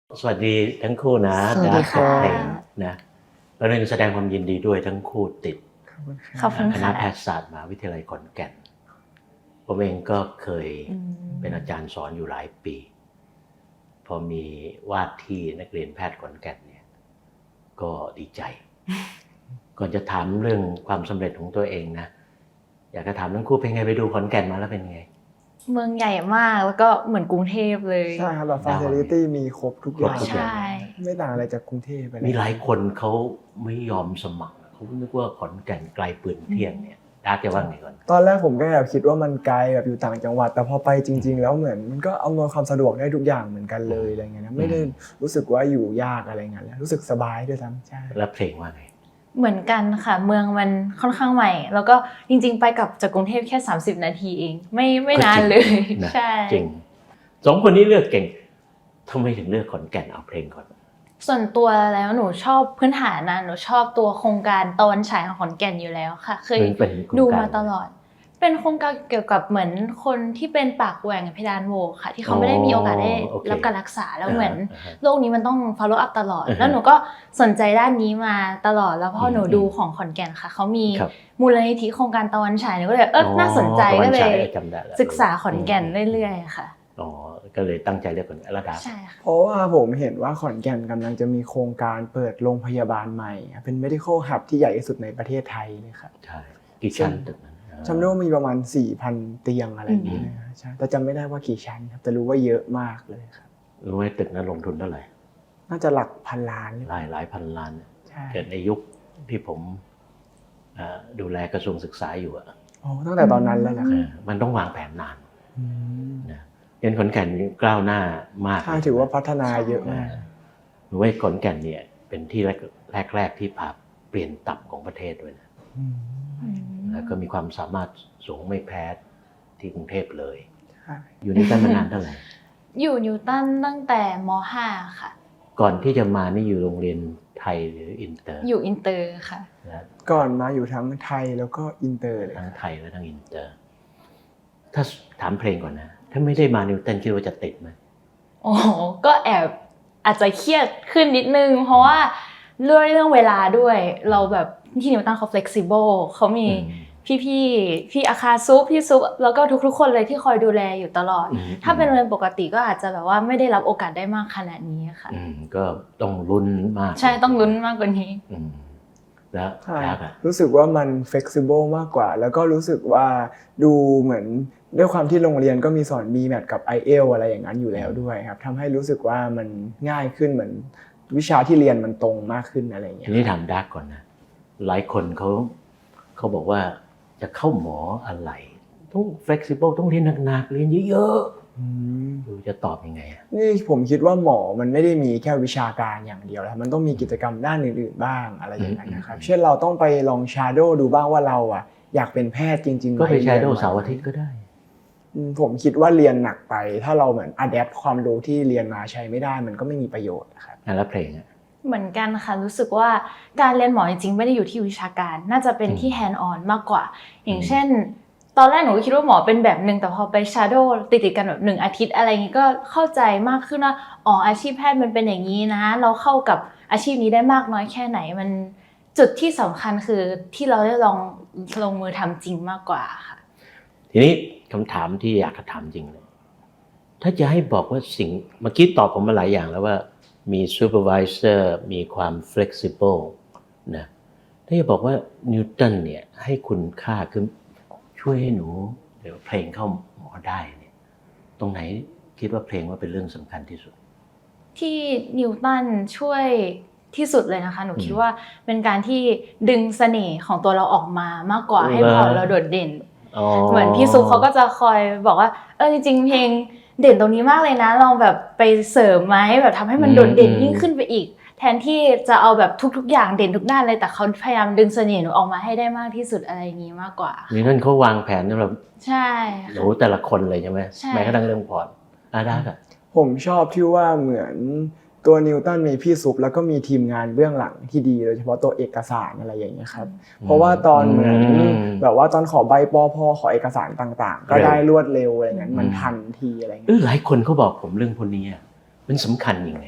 สวัสดีทั้งคู่นะสวัสดีค่ะเพลงนะแล้วเรื่องแสดงความยินดีด้วยทั้งคู่ติดขอบคุณคณะค่ะแพทยศาสตร์มหาวิทยาลัยขอนแก่นผมเองก็เคยเป็นอาจารย์สอนอยู่หลายปี พอมีวาดที่นักเรียนแพทย์ขอนแก่นเนี่ยก็ดีใจ ก่อนจะถามเรื่องความสำเร็จของตัวเองนะอยากจะถามทั้งคู่เป็นไงไปดูขอนแก่นมาแล้วเป็นไงเมืองใหญ่มากแล้วก็เหมือนกรุงเทพเลยใช่ครับแบบฟาซิลิตี้มีครบทุกอย่างครบทุกอย่างใช่ไม่ต่างอะไรจากกรุงเทพไปเลยมีหลายคนเขาไม่ยอมสมัครเขานึกว่าขอนแก่นไกลปืนเที่ยงเนี่ยดาร์กจะว่าไงก่อนตอนแรกผมก็แอบคิดว่ามันไกลแบบอยู่ต่างจังหวัดแต่พอไปจริง ๆ แล้วเหมือนมันก็อำนวยความสะดวกได้ทุกอย่างเหมือนกันเลยอะไรเงี้ยนะไม่ได้รู้สึกว่าอยู่ยากอะไรเงี้ยรู้สึกสบายด้วยซ้ำใช่แล้วเพลงว่าไงเหมือนกันค่ะเมืองมันค่อนข้างใหม่ แล้วก็จริงๆไปกับจากกรุงเทพแค่30 นาทีเองไม่นานเลยนะใช่จริงสองคนนี้เลือกเก่งทำไมถึงเลือกขอนแก่นเอาเพลงก่อนส่วนตัวแล้วหนูชอบพื้นฐานนะหนูชอบตัวโครงการตะวันฉายของขอนแก่นอยู่แล้วค่ะเคยเป็นโครงการดูมาตลอด เป็นโครงการเกี่ยวกับเหมือนคนที่เป็นปากแหว่งเพดานโหวค่ะ ที่เขาไม่ได้มีโอกาสได้รับการรักษาแล้วเหมือนโรคนี้มันต้อง follow up ตลอด แล้วหนูก็สนใจด้านนี้มาตลอดแล้วพอหนูดูของขอนแก่นค่ะเขามีครับมูลนิธิโครงการตะวันฉายหนูก็เลยน่าสนใจตะวัก็เลฉายยจำได้แล้วศึกษาขอนแก่นเรื่อยๆค่ะอ๋อก็เลยตั้งใจเลือกขอนแก่นแล้วดาร์กใช่ค่ะเพราะว่าผมเห็นว่าขอนแก่นกำลังจะมีโครงการเปิดโรงพยาบาลใหม่เป็น medical hub ที่ใหญ่ที่สุดในประเทศไทยเลยครับใช่กี่ชั้นตึกนั้นจำได้ว่ามีประมาณ 4,000 เตียงอะไรอย่างเงี้ยนะใช่แต่จำไม่ได้ว่ากี่ชั้นครับแต่รู้ว่าเยอะมากเลยครับรู้ไหมตึกนั้นลงทุนเท่าไหร่น่าจะหลักพันล้านเลยหลายพันล้านใช่เกิดในยุคที่ผมดูแลกระทรวงศึกษาอยู่อะโอ้ตั้งแต่ตอนนั้นแล้วเหรอครับมันต้องวางแผนนานอืมนะเรียนขอนแก่นก้าวหน้ามากใช่ถือว่าพัฒนาเยอะมากหนูว่าขอนแก่นเนี่ยเป็นที่แรกที่พาเปลี่ยนตับของประเทศด้วยนะอืมแล้วก็มีความสามารถสูงไม่แพ้ที่กรุงเทพเลยใช่อยู่นี่ตั้งมานานเท่าไหร่อยู่นิวตันตั้งแต่ม .5 ค่ะก่อนที่จะมานี่อยู่โรงเรียนไทยหรืออินเตอร์อยู่อินเตอร์ค่ะนะก่อนมาอยู่ทั้งไทยแล้วก็อินเตอร์เลยทั้งไทยและทั้งอินเตอร์ ถ้าถามเพลงก่อนนะ ถ้าไม่ได้มานิวตันคิดว่าจะติดไหมโอ้โหก็แอบอาจจะเครียดขึ้นนิดนึง เพราะว่าเรื่องเวลาด้วยเราแบบที่นิวตันเขา flexible เขามีพี่อาคาซุปพี่ซุปแล้วก็ทุกๆคนเลยที่คอยดูแลอยู่ตลอด ถ้าเป็นโรงเรียนปกติก็อาจจะแบบว่าไม่ได้รับโอกาสได้มากขนาดนี้ค่ะก็ต้องลุ้นมากใช่ต้องลุ้นมากกว่านี้แล้วใช่แล้วอะรู้สึกว่ามัน flexible มากกว่า แล้วก็รู้สึกว่าดูเหมือนด้วยความที่โรงเรียนก็มีสอน BMAT กับ IELTS อะไรอย่างนั้นอยู่แล้วด้วยครับทำให้รู้สึกว่ามันง่ายขึ้นเหมือนวิชาที่เรียนมันตรงมากขึ้นอะไรอย่างเงี้ทียนี้ถามดาร์กก่อนนะ หลายคนเขาบอกว่าจะเข้าหมออะไรต้อง flexible ต้องเรียนหนักๆเรียนเยอะๆดูจะตอบยังไงอะนี่ผมคิดว่าหมอมันไม่ได้มีแค่วิชาการอย่างเดียวแล้วมันต้องมีกิจกรรมด้านอื่นๆบ้างอะไรอย่างนั้นนะครับเช่นเราต้องไปลองชาโดว์ดูบ้างว่าเราอ่ะอยากเป็นแพทย์จริงๆก็ไปหมใช้โดว์เสาร์อาทิตย์ก็ได้ผมคิดว่าเรียนหนักไปถ้าเราเหมือนอะแดปความรู้ที่เรียนมาใช้ไม่ได้มันก็ไม่มีประโยชน์นะครับแล้วเพลงอะเหมือนกันค่ะรู้สึกว่าการเรียนหมอจริงๆไม่ได้อยู่ที่วิชาการน่าจะเป็นที่ hand on มากกว่า อย่างเช่น ตอนแรกหนูก็คิดว่าหมอเป็นแบบนึงแต่พอไป shadow ติดกันแบบ1 อาทิตย์อะไรอย่างงี้ก็เข้าใจมากขึ้นว่าอ๋ออาชีพแพทย์มันเป็นอย่างนี้นะเราเข้ากับอาชีพนี้ได้มากน้อยแค่ไหนมันจุดที่สำคัญคือที่เราได้ลงมือทำจริงมากกว่าค่ะทีนี้คำถามที่อยากจะถามจริงเลยถ้าจะให้บอกว่าสิ่งเมื่อกี้ตอบผมมาหลายอย่างแล้วว่ามี supervisor มีความ flexible นะถ้าจะบอกว่านิวตันเนี่ยให้คุณค่าคือช่วยให้หนูเดี๋ยวเพลงเข้าหมอได้เนี่ยตรงไหนคิดว่าเพลงว่าเป็นเรื่องสำคัญที่สุดที่นิวตันช่วยที่สุดเลยนะคะหนูคิดว่าเป็นการที่ดึงเสน่ห์ของตัวเราออกมามากกว่าให้พอเราโดดเด่นเหมือนพี่ซุปเขาก็จะคอยบอกว่าจริงๆเพลงเด่นตรงนี้มากเลยนะลองแบบไปเสริมไหมแบบทำให้มันโดดเด่นยิ่งขึ้นไปอีกแทนที่จะเอาแบบทุกๆอย่างเด่นทุกด้านเลยแต่เขาพยายามดึงเสน่ห์หนูออกมาให้ได้มากที่สุดอะไรอย่างนี้มากกว่านี่นั่นเขาวางแผนสำหรับใช่หนูแต่ละคนเลยใช่ไหมใช่แม้กระทั่งเรื่องพอร์ตได้ค่ะผมชอบที่ว่าเหมือนตัวนิวตันมีพี่ซุปแล้วก็มีทีมงานเบื้องหลังที่ดีโดยเฉพาะตัวเอกสารอะไรอย่างเงี้ยครับเพราะว่าตอนเหมือนแบบว่าตอนขอใบปพขอเอกสารต่างๆ ก็ได้รวดเร็วอะไรเงี้ยมันทันทีอะไรเงี้ยหลายคนเขาบอกผมเรื่องพวกนี้มันสำคัญยังไง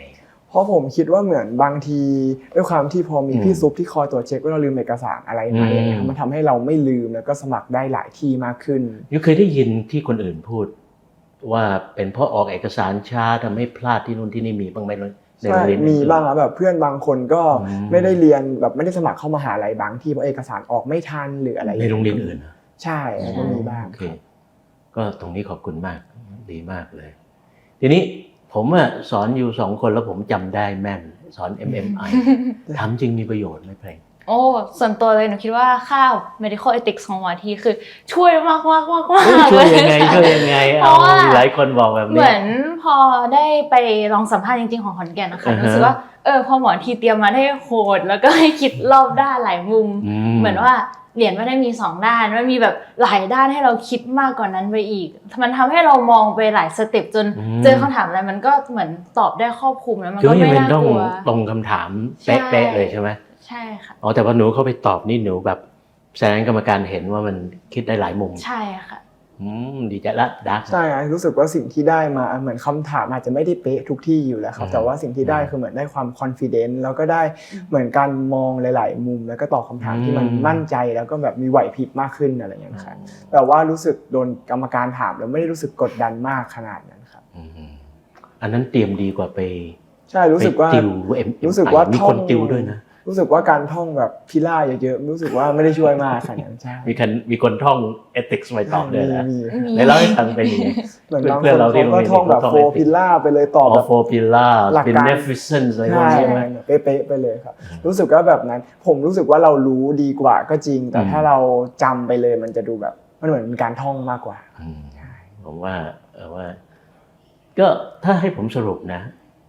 เพราะผมคิดว่าเหมือนบางทีด้วยความที่พอมีพี่ซุปที่คอยตรวจเช็คว่าเราลืมเอกสารอะไรไหมอย่างเงี้ยมันทำให้เราไม่ลืมแล้วก็สมัครได้หลายที่มากขึ้นยูเคยได้ยินที่คนอื่นพูดว่าเป็นเพราะออกเอกสารช้าทำให้พลาดที่นู่นที่นี่มีบ้างไหมในโรงเรียนมีบ้างครับแบบเพื่อนบางคนก็ไม่ได้เรียนแบบไม่ได้สมัครเข้ามหาลัยบางที่เพราะเอกสารออกไม่ทันหรืออะไรในโรงเรียนอื่นใช่ก็มีบ้างก็ตรงนี้ขอบคุณมากดีมากเลยทีนี้ผมสอนอยู่2 คนแล้วผมจำได้แม่นสอน MMI ถามจริงมีประโยชน์ไหมเพลงโอ้ส่วนตัวเลยหนูคิดว่าค่า medical ethics ของหมอทีคือช่วยมากช่วยยังไงเอาหลายคนบอกแบบนี้เหมือนพอได้ไปลองสัมภาษณ์จริงๆของขอนแก่นนะคะรู้สึกว่าพอหมอทีเตรียมมาได้โหดแล้วก็ให้คิดรอบด้านหลายมุมเหมือนว่าเหรียญไม่ได้มี2ด้านมันมีแบบหลายด้านให้เราคิดมากกว่านั้นไปอีกมันทำให้เรามองไปหลายสเต็ปจนเจอคำถามอะไรมันก็เหมือนตอบได้ครอบคลุมแล้วมันก็ไม่น่ากลัวตรงคำถามเป๊ะเลยใช่ไหมใช่ค่ะแต่พอหนูเข้าไปตอบนี่หนูแบบแสดงกรรมการเห็นว่ามันคิดได้หลายมุมใช่ค่ะดีใจละดักใช่รู้สึกว่าสิ่งที่ได้มาเหมือนคำถามอาจจะไม่ได้เป๊ะทุกที่อยู่แล้วครับแต่ว่าสิ่งที่ได้คือเหมือนได้ความคอนฟิเดนซ์แล้วก็ได้เหมือนการมองหลายๆมุมแล้วก็ตอบคำถามที่มันมั่นใจแล้วก็แบบมีไหวพริบมากขึ้นอะไรอย่างเงี้ยครับแต่ว่ารู้สึกโดนกรรมการถามแล้วไม่ได้รู้สึกกดดันมากขนาดนั้นครับอันนั้นเตรียมดีกว่าไปใช่รู้สึกว่ามีคนติวด้วยนะรู้สึกว่าการท่องแบบพิล่าเยอะๆรู้สึกว่าไม่ได้ช่วยมากขนาดนั้นใช่มีคนท่อง ethics ไว้ตอบเลยนะในเล่าให้ฟังเป็นอย่างนี้เพื่อนเราที่ก็ท่องแบบโฟพิล่าไปเลยตอบแบบโฟพิล่า beneficence อะไรพวกนี้เป๊ะๆไปเลยครับรู้สึกว่าแบบนั้นผมรู้สึกว่าเรารู้ดีกว่าก็จริงแต่ถ้าเราจำไปเลยมันจะดูแบบมันเหมือนเป็นการท่องมากกว่าผมว่าก็ถ้าให้ผมสรุปนะ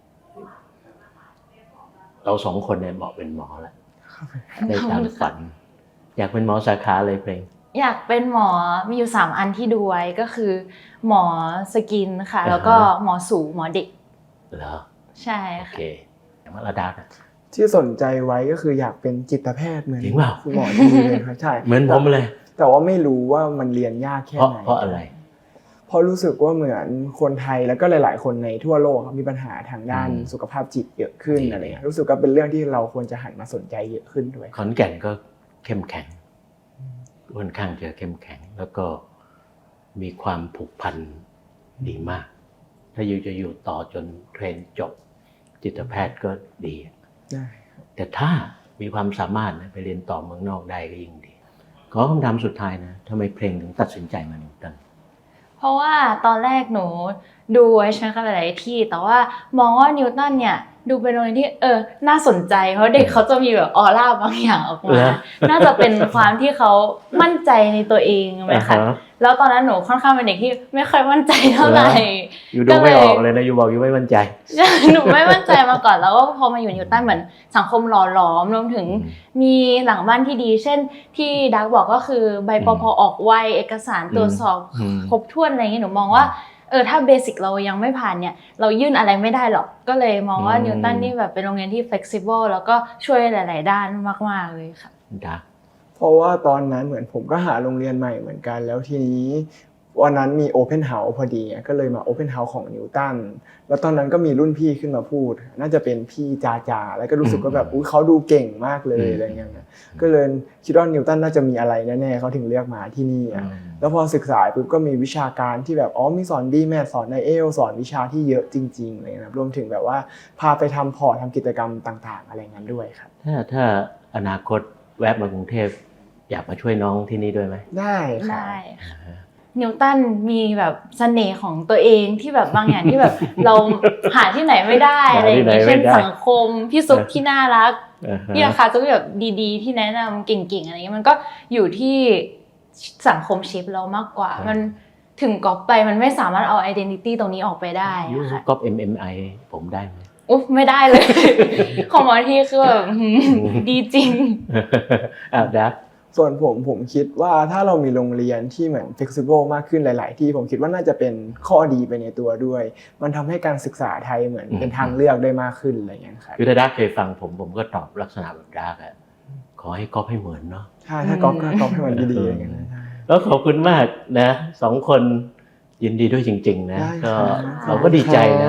เรา2 คนเนี่ยเหมาะเป็นหมอแล้วได้ตามฝันอยากเป็นหมอสาขาอะไรเพลงอยากเป็นหมอมีอยู่3อันที่ดูไว้ก็คือหมอสกินค่ะแล้วก็หมอสูหมอเด็กเหรอใช่ค่ะโอเคมาระดับที่สนใจไว้ก็คืออยากเป็นจิตแพทย์เหมือนคุณหมอที่เลยครับใช่เหมือนผมเลยแต่ว่าไม่รู้ว่ามันเรียนยากแค่ไหนเพราะอะไรเพราะรู้สึกว่าเหมือนคนไทยแล้วก็หลายๆคนในทั่วโลกมีปัญหาทางด้านสุขภาพจิตเยอะขึ้นอะไรเงี้ยรู้สึกว่าเป็นเรื่องที่เราควรจะหันมาสนใจเยอะขึ้นด้วยขอนแก่นก็เข้มแข็งค่อนข้างจะเข้มแข็งแล้วก็มีความผูกพันดีมากถ้าจะอยู่ต่อจนเทรนจบจิตแพทย์ก็ดีแต่ถ้ามีความสามารถไปเรียนต่อเมืองนอกได้ก็ยิ่งดีขอคำถามสุดท้ายนะทำไมเพลงถึงตัดสินใจมานิวตันเพราะว่าตอนแรกหนูดูไว้ใช่ไหมคะหลายๆที่แต่ว่ามองว่านิวตันเนี่ยดูเป็นโรงเรียนที่น่าสนใจเพราะเด็กเขาจะมีแบบออร่าบางอย่างออกมาน่าจะเป็นความที่เขามั่นใจในตัวเองไหมคะแล้วตอนนั้นหนูค่อนข้างเป็นเด็กที่ไม่ค่อยมั่นใจเท่าไหร่อยู่ดูไม่ออกเลยนะอยู่บอกอยู่ไม่มั่นใจหนูไม่มั่นใจมาก่อนแล้วก็พอมาอยู่นิวตันเหมือนสังคมหล่อหลอมรวมถึงมีหลังบ้านที่ดีเช่นที่ดักบอกก็คือใบปพออกไวเอกสารตรวจสอบครบถ้วนอะไรอย่างเงี้ยหนูมองว่าถ้าเบสิกเรายังไม่ผ่านเนี่ยเรายื่นอะไรไม่ได้หรอกก็เลยมองว่านิวตันนี่แบบเป็นโรงเรียนที่ flexible แล้วก็ช่วยหลายๆด้านมากๆเลยค่ะเพราะว่าตอนนั้นเหมือนผมก็หาโรงเรียนใหม่เหมือนกันแล้วทีนี้วันนั้นมี Open House พอดีก็เลยมา Open House ของนิวตันแล้วตอนนั้นก็มีรุ่นพี่ขึ้นมาพูดน่าจะเป็นพี่จาแล้วก็รู้สึกว่าแบบเขาดูเก่งมากเลยอะไรเงี้ยก็เลยคิดว่านิวตันน่าจะมีอะไรแน่ๆเขาถึงเลือกมาที่นี่แล้วพอศึกษาปุ๊บก็มีวิชาการที่แบบมีสอนดีแมทสอนไอเอลสอนวิชาที่เยอะจริงๆเลยนะรวมถึงแบบว่าพาไปทำพอร์ตทำกิจกรรมต่างๆอะไรเงี้ยด้วยครับถ้าอนาคตแวะมากรุงเทพอยากมาช่วยน้องที่นี่ด้วยไหมได้ค่ะนิวตันมีแบบเสน่ห์ของตัวเองที่แบบบางอย่างที่แบบเราหาที่ไหนไม่ได้อะไรอย่างเงี้ยเช่นสังคมพี่ซุปที่น่ารักพี่ราคาจะแบบดีๆที่แนะนำเก่งๆอะไรเงี้ยมันก็อยู่ที่สังคมชิปเรามากกว่ามันถึงก๊อปไปมันไม่สามารถเอา identity ตรงนี้ออกไปได้ค่ะก๊อป MMI ผมได้ไหมไม่ได้เลยของหมอที่คือแบบดีจริงดักส่วนผมคิดว่าถ้าเรามีโรงเรียนที่เหมือน flexible มากขึ้นหลายๆที่ผมคิดว่าน่าจะเป็นข้อดีไปในตัวด้วยมันทำให้การศึกษาไทยเหมือนเป็นทางเลือกได้มากขึ้นอะไรอย่างเงี้ยครับคือถ้าดักเคยฟังผมก็ตอบลักษณะแบบดักขอให้ก๊อปให้เหมือนเนาะใช่ถ้าก๊อปให้มันดีๆอย่างเงี้ยแล้วขอบคุณมากนะ2 คนยินดีด้วยจริงๆนะก็เราก็ดีใจนะ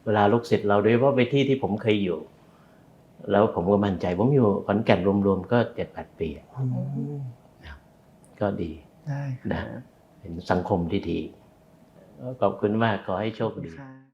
เวลาลูกศิษย์เราโดยเฉพาะไปที่ผมเคยอยู่ แล้วผมก็มั่นใจผมอยู่ขอนแก่นรวมๆก็7-8 ปี ก็ดีได้คนะรับเป็นสังคมที่ดีขอบคุณมากขอให้โชคดีครับ